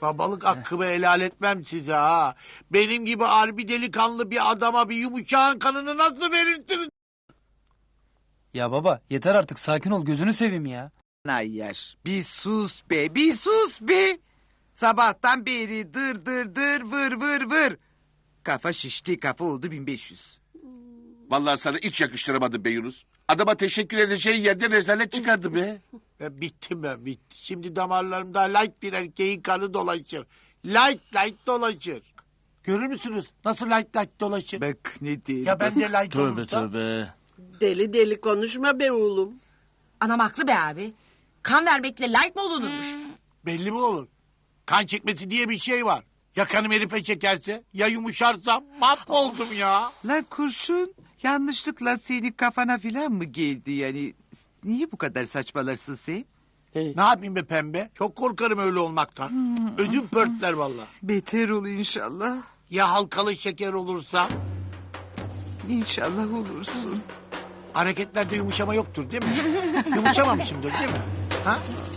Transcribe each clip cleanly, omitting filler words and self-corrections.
Babalık hakkımı helal etmem size ha. Benim gibi harbi delikanlı bir adama bir yumuşağın kanını nasıl verirsiniz? Ya baba yeter artık sakin ol gözünü seveyim ya. Nayyar bir sus be, bir sus be. Sabahtan beri dır dır dır vır vır vır. Kafa şişti, kafa oldu 1500. Vallahi sana hiç yakıştıramadım be Yunus. Adama teşekkür edeceğin yerde rezalet çıkardı be. Bittim ben, bitti. Şimdi damarlarımda light bir erkeğin kanı dolaşır. Light dolaşır. Görür müsünüz nasıl light dolaşır? Bak ne diyeyim. Ya ben de light Tövbe olursa? tövbe. Deli deli konuşma be oğlum. Anam haklı be abi. Kan vermekle light mı olunurmuş? Belli mi olur? Kan çekmesi diye bir şey var. Ya kanım herife çekerse, ya yumuşarsam mahvoldum ya. Lan kurşun yanlışlıkla senin kafana filan mı geldi yani? Niye bu kadar saçmalarsın sen? Ne yapayım be pembe? Çok korkarım öyle olmaktan. Ödüm pörtler vallahi. Beter ol inşallah. Ya halkalı şeker olursa? İnşallah olursun. Hareketlerde yumuşama yoktur değil mi? Yumuşamamışımdır değil mi? Ha?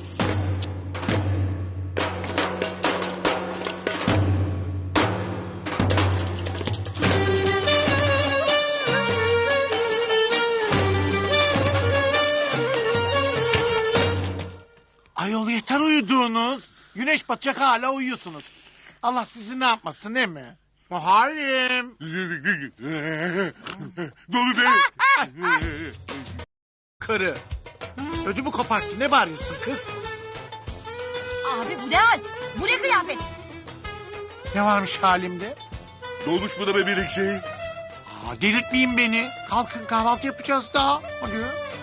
Ayol yeter uyuduğunuz. Güneş batacak hala uyuyorsunuz. Allah sizi ne yapmasın değil mi? Muharrem. Dolu be. Karı. Ödümü koparttı. Ne bağırıyorsun kız? Abi bu ne hal? Bu ne kıyafet? Ne varmış halimde? Ne olmuş bu da be bir şey? Delirtmeyin beni. Kalkın kahvaltı yapacağız daha. Hadi.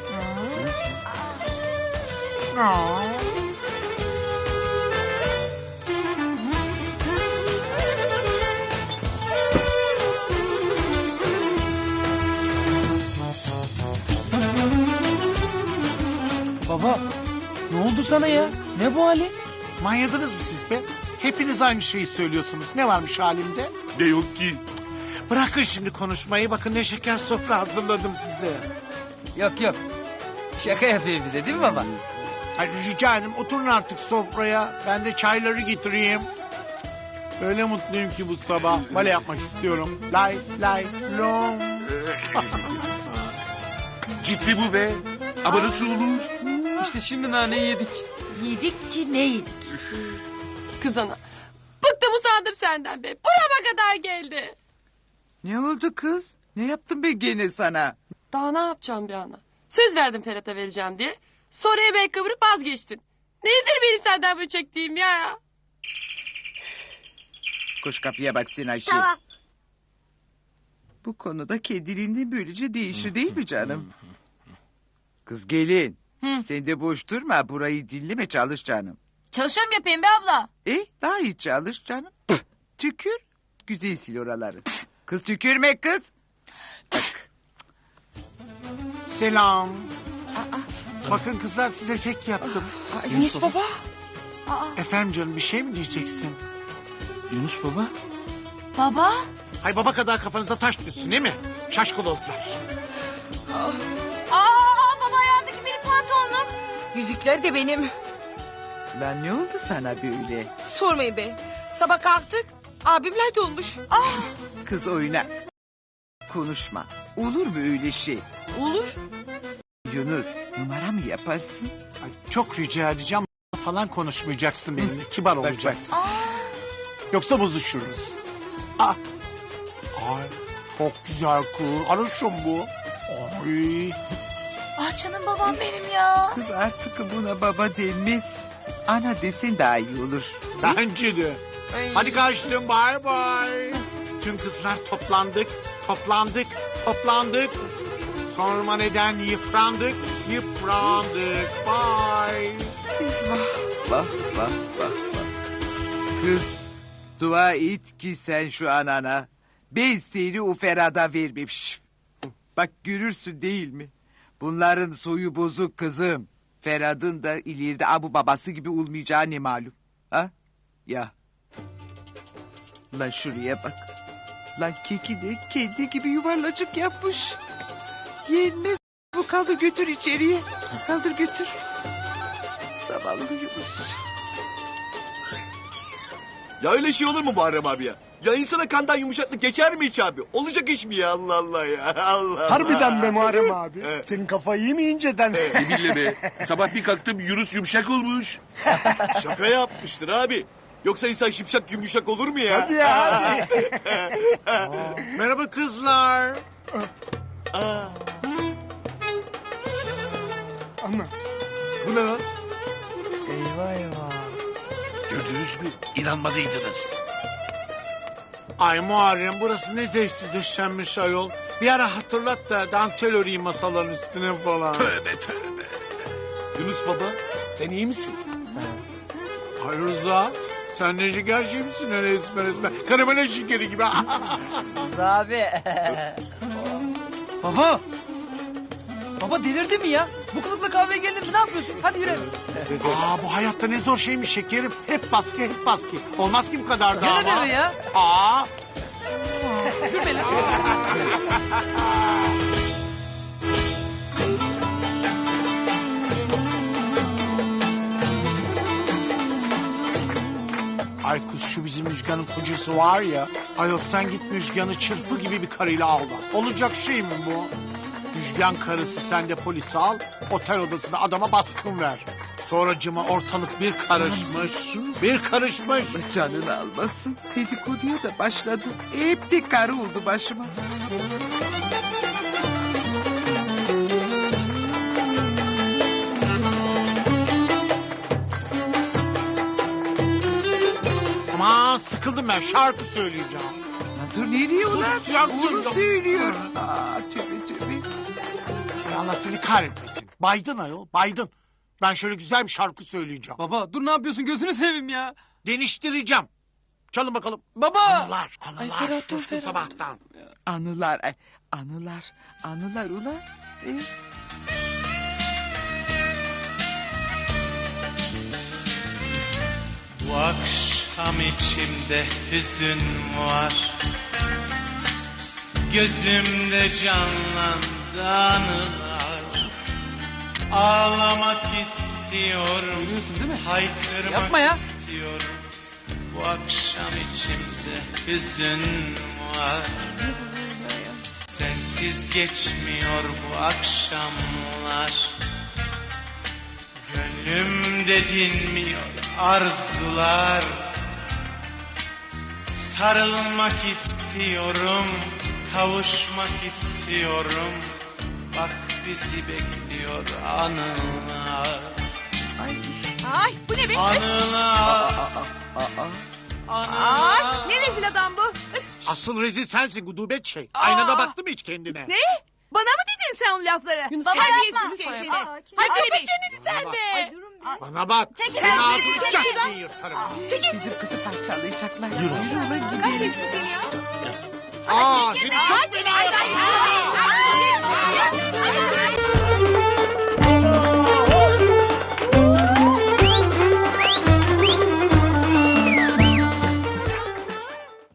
Baba ne oldu sana ya? Ne bu hali? Manyadınız mı siz be? Hepiniz aynı şeyi söylüyorsunuz. Ne varmış halimde? Ne yok ki? Bırakın şimdi konuşmayı. Bakın ne şeker sofra hazırladım size. Yok. Şaka yapıyor bize değil mi baba? Hadi rica ederim oturun artık sofraya. Ben de çayları getireyim. Öyle mutluyum ki bu sabah. Bale yapmak istiyorum. Lay long. Ciddi bu be. Ama nasıl olur? İşte şimdi naneyi yedik. Yedik ki ne yedik? Kız ana. Bıktım usandım senden be. Burama kadar geldi. Ne oldu kız? Ne yaptım ben gene sana? Daha ne yapacağım bir ana? Söz verdim Ferhat'a vereceğim diye. Sonra yemeğe kıvırıp vazgeçtin. Nedir benim senden bunu çektiğim ya? Koş kapıya bak sen Ayşe. Tamam. Bu konuda kendiliğinden böylece değişir değil mi canım? Kız gelin. Sen de boş durma, burayı dinleme, çalış canım. Çalışıyorum yapayım be abla. Daha iyi çalış canım. Tükür. Güzel sil oraları. Kız tükürme kız. Bak. Selam. Bakın kızlar size kek yaptım. Yunus baba. Efendim canım bir şey mi diyeceksin? Yunus baba. Baba. Hay baba kadar kafanızda taş düşsün değil mi? Şaşkolozlar. Baba ayağındaki benim pantolonum. Yüzükler de benim. Lan ne oldu sana böyle? Sormayın be. Sabah kalktık. Abim light olmuş. Kız oyna. Konuşma. Olur mu öyle şey? Olur. Yunus, numara mı yaparsın? Ay, çok rica edeceğim falan konuşmayacaksın benimle. Kibar olacaksın. Yoksa bozuşuruz. Ay çok güzel kız. Arışım bu. Ay. Canım babam benim ya. Kız artık buna baba denmez. Ana desen daha iyi olur. Bence de. Hadi kaçtım bye bye. Tüm kızlar toplandık. Sorma neden yıprandık. Bye. Bak. Kız, dua et ki sen şu anana. Ben seni o Ferhat'a vermemişim. Bak görürsün değil mi? Bunların soyu bozuk kızım. Ferhat'ın da ileride abu babası gibi olmayacağı ne malum. Ha? Ya. Lan şuraya bak. Lan keki de kendi gibi yuvarlacık yapmış. Yenmez bu, kaldır götür içeriye. Kaldır götür. Zavallı Yunus. Ya öyle şey olur mu Muharrem abi ya? Ya insana kandan yumuşaklık geçer mi hiç abi? Olacak iş mi ya Allah Allah ya Allah. Harbiden be Muharrem abi. Senin kafayı iyi mi inceden? Yeminle be. Sabah bir kalktım Yunus yumuşak olmuş. Şaka yapmıştır abi. Yoksa insan şipşak yumuşak olur mu ya? Hadi ya hadi. Merhaba kızlar. Ana. Bu ne lan? Gördünüz mü? İnanmadıydınız. Ay Muharrem burası ne zevksiz döşenmiş ayol. Bir ara hatırlat da dantel öreyim masaların üstüne falan. Tövbe tövbe. Yunus baba sen iyi misin? Ay Rıza sen ne şeker şey misin öyle esmer esmer. Karamele şekeri gibi. Abi. Baba. Baba delirdi mi ya? Bu kılıkla kahveye geldin mi? Ne yapıyorsun? Hadi yürü. Bu hayatta ne zor şeymiş şekerim. Hep baskı hep baskı. Olmaz ki bu kadar da Ne ama. dedi ya? Aa. Gülme lan. Ay kız şu bizim Müjgan'ın kocası var ya. Ayol sen git Müjgan'ı çırpı gibi bir karıyla alma. Olacak şey mi bu? Müjgan karısı sen de polisi al. Otel odasında adama baskın ver. Sonracıma ortalık bir karışmış. Bir karışmış. Canını almasın. Dedikoduya da başladı. Hep de karı oldu başıma. Aman sıkıldım ben şarkı söyleyeceğim. Lan dur nereye ulan? Sus ya, Onu dur. söylüyor. Tövbe tövbe. Ay Allah seni kahretmesin. Baydın ayol baydın. Ben şöyle güzel bir şarkı söyleyeceğim. Baba dur ne yapıyorsun? Gözünü seveyim ya. Deniştireceğim. Çalın bakalım. Baba. Anılar, Ferhat, şu Ferhat. sabahtan. Anılar, ay, anılar ulan. Bu akşam içimde hüzün var. Gözümde canlandı anılar. Ağlamak istiyorum. Değil mi? Haykırmak Yapma ya. istiyorum. Bu akşam içimde hüzün var. Sensiz geçmiyor bu akşamlar. Gönlümde dinmiyor arzular. Sarılmak istiyorum, kavuşmak istiyorum. Bak bizi bekliyor anılar. Ay bu ne be? Anılar. Ay ne rezil adam bu? Üf, Asıl rezil sensin gudubet şey. Aynada baktın mı hiç kendine? ne? Bana mı dedin sen o lafları? Terbiyesiz şey seni. Hadi Kapa be. çeneni sen de. Bana bak. Çekil Senin sen, ağzını çekil çak şuradan. diye yırtarım. Bizim kızı parçalayacaklar. Yürü ulan gidelim. Kahretsin seni ya. Aa seni çok fena Ay, yaparım. ay, ay.